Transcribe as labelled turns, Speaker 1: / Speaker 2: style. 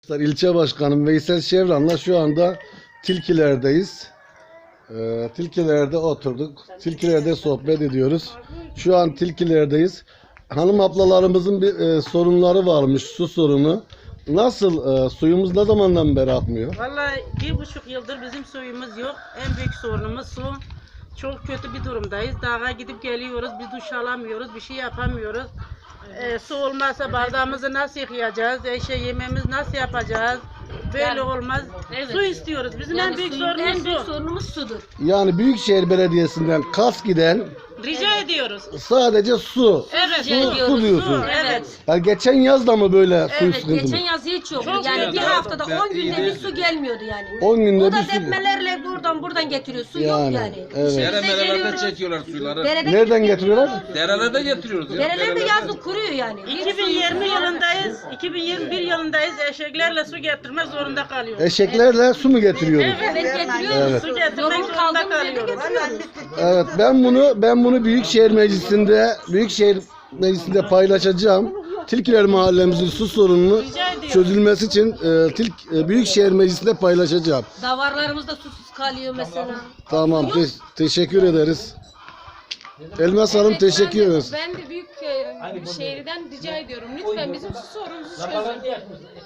Speaker 1: Arkadaşlar ilçe başkanım Veysel Şevran'la şu anda Tilkiler'deyiz. Tilkiler'de oturduk. Tilkiler'de sohbet ediyoruz. Şu an Tilkiler'deyiz. Hanım ablalarımızın bir sorunları varmış, su sorunu. Nasıl? Suyumuz ne zamandan beri akmıyor?
Speaker 2: Vallahi 1,5 yıldır bizim suyumuz yok. En büyük sorunumuz su. Çok kötü bir durumdayız. Dağa gidip geliyoruz, bir duş alamıyoruz, bir şey yapamıyoruz. Su olmazsa bardağımızı nasıl yıkayacağız? Yemeğimizi nasıl yapacağız? Böyle
Speaker 3: Yani,
Speaker 2: olmaz.
Speaker 3: evet.
Speaker 2: Su istiyoruz. Bizim
Speaker 3: Yani
Speaker 2: en büyük
Speaker 3: suyun en
Speaker 2: sorunumuz
Speaker 3: büyük
Speaker 2: su.
Speaker 3: sorunumuz sudur.
Speaker 1: Yani Büyükşehir Belediyesi'nden kas giden
Speaker 2: Rica ediyoruz.
Speaker 1: sadece su.
Speaker 2: Evet,
Speaker 1: Su diyorsun.
Speaker 2: Evet.
Speaker 1: Yani geçen yaz da mı böyle su
Speaker 3: Evet,
Speaker 1: sıkıntı
Speaker 3: geçen
Speaker 1: mı?
Speaker 3: yaz hiç yoktu.
Speaker 2: Çok
Speaker 3: Yani
Speaker 2: kötü.
Speaker 3: bir haftada 10 günde bir su gelmiyordu yani.
Speaker 1: 10 günde
Speaker 3: O da
Speaker 1: bir su.
Speaker 3: depmelerle buradan getiriyor. Su
Speaker 1: Yani,
Speaker 3: yok yani.
Speaker 1: evet.
Speaker 4: Derelerde çekiyorlar suyları.
Speaker 1: Nereden getiriyorlar?
Speaker 4: Derelerde getiriyoruz.
Speaker 3: Derelerde yazlık kuruyor yani.
Speaker 2: 2020 yılındayız. 2021 yılındayız. Eşeklerle su getirmek zorunda kalıyoruz.
Speaker 1: Eşeklerle su mu getiriyoruz?
Speaker 3: Evet getiriyoruz.
Speaker 1: Evet.
Speaker 2: Su getirmek
Speaker 3: Yolun
Speaker 2: zorunda
Speaker 3: kaldığımız yerde
Speaker 2: kalıyoruz.
Speaker 3: getiriyoruz.
Speaker 1: Evet, ben bunu Büyükşehir Meclisi'nde paylaşacağım. Tilkiler mahallemizin su sorununu
Speaker 2: Rica ediyorum.
Speaker 1: çözülmesi için Büyükşehir Meclisi'nde paylaşacağım.
Speaker 3: Davarlarımız da susuz kalıyor mesela.
Speaker 1: Tamam, teşekkür ederiz. Elmas Hanım teşekkür ederiz.
Speaker 5: Ben de büyük şehirden rica ediyorum. Lütfen bizim su sorunumuzu çözün.